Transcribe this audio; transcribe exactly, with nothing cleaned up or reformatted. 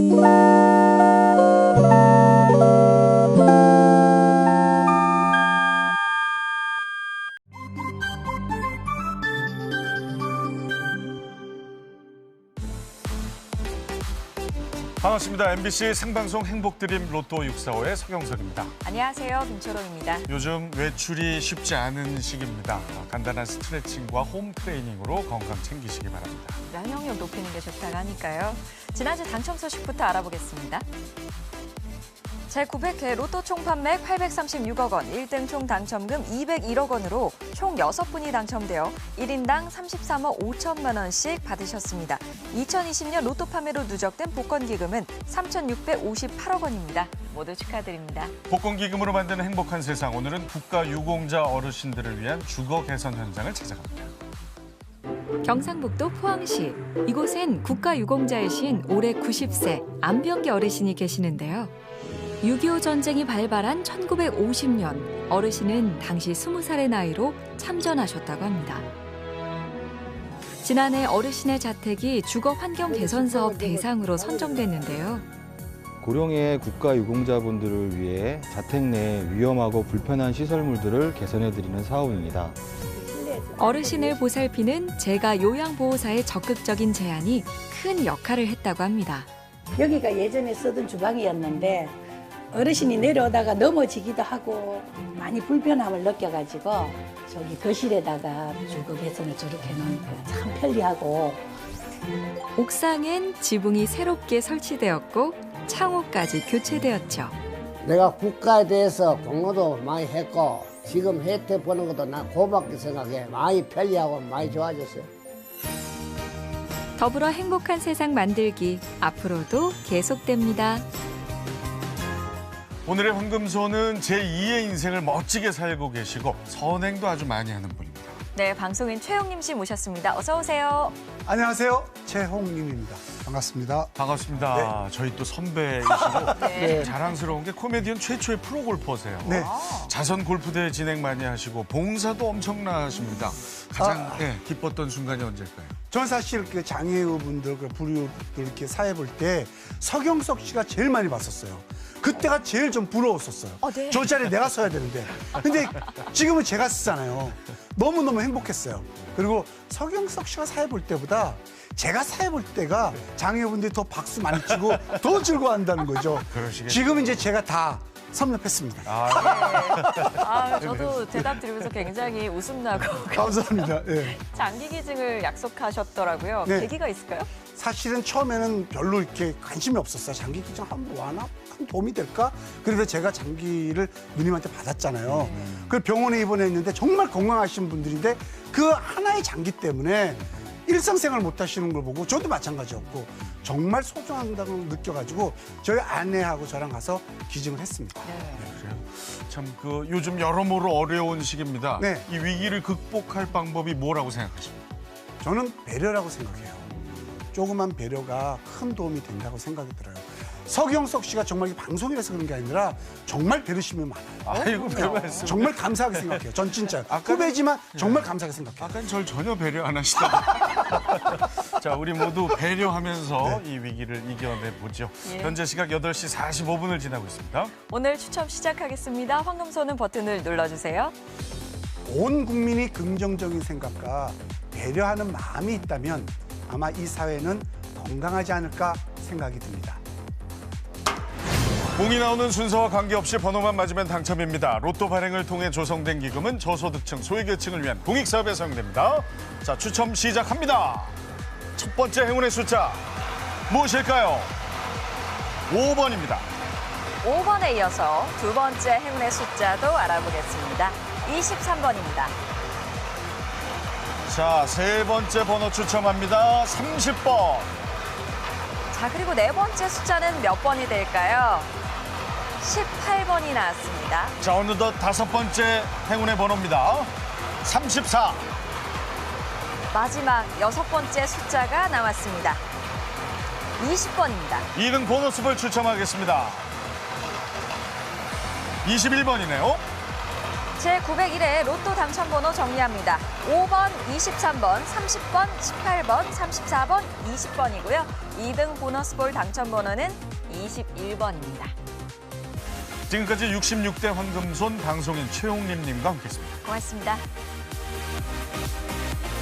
반갑습니다. 엠비씨 생방송 행복드림 로또 육사오의 서경석입니다. 안녕하세요. 김초롱입니다. 요즘 외출이 쉽지 않은 시기입니다. 간단한 스트레칭과 홈 트레이닝으로 건강 챙기시기 바랍니다. 면역력 높이는 게 좋다고 하니까요. 지난주 당첨 소식부터 알아보겠습니다. 제구백 회 로또 총 판매 팔백삼십육억 원, 일 등 총 당첨금 이백일억 원으로 총 여섯 분이 당첨되어 일 인당 삼십삼억 오천만 원씩 받으셨습니다. 이천이십 년 로또 판매로 누적된 복권 기금은 삼천육백오십팔억 원입니다. 모두 축하드립니다. 복권 기금으로 만드는 행복한 세상. 오늘은 국가 유공자 어르신들을 위한 주거 개선 현장을 찾아갑니다. 경상북도 포항시. 이곳엔 국가 유공자이신 올해 구십 세 안병기 어르신이 계시는데요. 육이오 전쟁이 발발한 천구백오십 년, 어르신은 당시 스무 살의 나이로 참전하셨다고 합니다. 지난해 어르신의 자택이 주거 환경 개선 사업 대상으로 선정됐는데요. 고령의 국가 유공자분들을 위해 자택 내 위험하고 불편한 시설물들을 개선해드리는 사업입니다. 어르신을 보살피는 제가 요양보호사의 적극적인 제안이 큰 역할을 했다고 합니다. 여기가 예전에 쓰던 주방이었는데 어르신이 내려오다가 넘어지기도 하고 많이 불편함을 느껴가지고 저기 거실에다가 주거 개선을 저렇게 해놓으니까 참 편리하고. 옥상엔 지붕이 새롭게 설치되었고 창호까지 교체되었죠. 내가 국가에 대해서 공로도 많이 했고 지금 혜택 보는 것도 난 고맙게 생각해. 많이 편리하고 많이 좋아졌어요. 더불어 행복한 세상 만들기 앞으로도 계속됩니다. 오늘의 황금소는 제이의 인생을 멋지게 살고 계시고 선행도 아주 많이 하는 분입니다. 네, 방송인 최홍림 씨 모셨습니다. 어서 오세요. 안녕하세요. 최홍림입니다. 반갑습니다. 반갑습니다. 네. 저희 또 선배이시고 네. 자랑스러운 게 코미디언 최초의 프로 골퍼세요. 네. 자선 골프대회 진행 많이 하시고 봉사도 엄청나십니다. 가장 아. 네, 기뻤던 순간이 언제일까요? 저는 사실 그 장애우분들, 그 불우들 이렇게 사회 볼 때 서경석 씨가 제일 많이 봤었어요. 그때가 제일 좀 부러웠었어요. 어, 네. 저 자리에 내가 서야 되는데. 근데 지금은 제가 쓰잖아요. 너무너무 행복했어요. 그리고 서경석 씨가 사회 볼 때보다 제가 사회 볼 때가 장애우분들이 더 박수 많이 치고 더 즐거워한다는 거죠. 그러시겠죠. 지금 이제 제가 다 섭렵했습니다. 아, 아, 저도 대답 드리면서 굉장히 웃음 나고 감사합니다. 네. 장기 기증을 약속하셨더라고요. 네. 계기가 있을까요? 사실은 처음에는 별로 이렇게 관심이 없었어요. 장기 기증 한번 와나? 한 도움이 될까? 그래서 제가 장기를 누님한테 받았잖아요. 음. 그 병원에 입원했는데 정말 건강하신 분들인데 그 하나의 장기 때문에 일상생활 못 하시는 걸 보고 저도 마찬가지였고 정말 소중하다고 느껴가지고 저희 아내하고 저랑 가서 기증을 했습니다. 그래요. 참 그 요즘 여러모로 어려운 시기입니다. 네. 이 위기를 극복할 방법이 뭐라고 생각하십니까? 저는 배려라고 생각해요. 조그만 배려가 큰 도움이 된다고 생각이 들어요. 서경석 씨가 정말 이 방송이라서 그런 게 아니라 정말 배려심이 많아요. 아이고, 별 말씀. 정말 감사하게 생각해요. 전 진짜 아까는- 후배지만 정말 감사하게 생각해요. 아까는 절 전혀 배려 안 하시다가 자, 우리 모두 배려하면서 이 위기를 이겨내보죠. 예. 현재 시각 여덟 시 사십오 분을 지나고 있습니다. 오늘 추첨 시작하겠습니다. 황금소는 버튼을 눌러주세요. 온 국민이 긍정적인 생각과 배려하는 마음이 있다면 아마 이 사회는 건강하지 않을까 생각이 듭니다. 공이 나오는 순서와 관계없이 번호만 맞으면 당첨입니다. 로또 발행을 통해 조성된 기금은 저소득층, 소외계층을 위한 공익사업에 사용됩니다. 자, 추첨 시작합니다. 첫 번째 행운의 숫자 무엇일까요? 오 번입니다. 오 번에 이어서 두 번째 행운의 숫자도 알아보겠습니다. 이십삼 번입니다. 자, 세 번째 번호 추첨합니다. 삼십 번. 자, 그리고 네 번째 숫자는 몇 번이 될까요? 십팔 번이 나왔습니다. 자, 어느덧 다섯 번째 행운의 번호입니다. 삼십사. 마지막 여섯 번째 숫자가 나왔습니다. 이십 번입니다. 이 등 보너스볼 추첨하겠습니다. 이십일 번이네요. 제구백일 회 로또 당첨번호 정리합니다. 오 번, 이십삼 번, 삼십 번, 십팔 번, 삼십사 번, 이십 번이고요. 이 등 보너스볼 당첨번호는 이십일 번입니다. 지금까지 육십육 대 황금손 방송인 최용림님과 함께했습니다. 고맙습니다.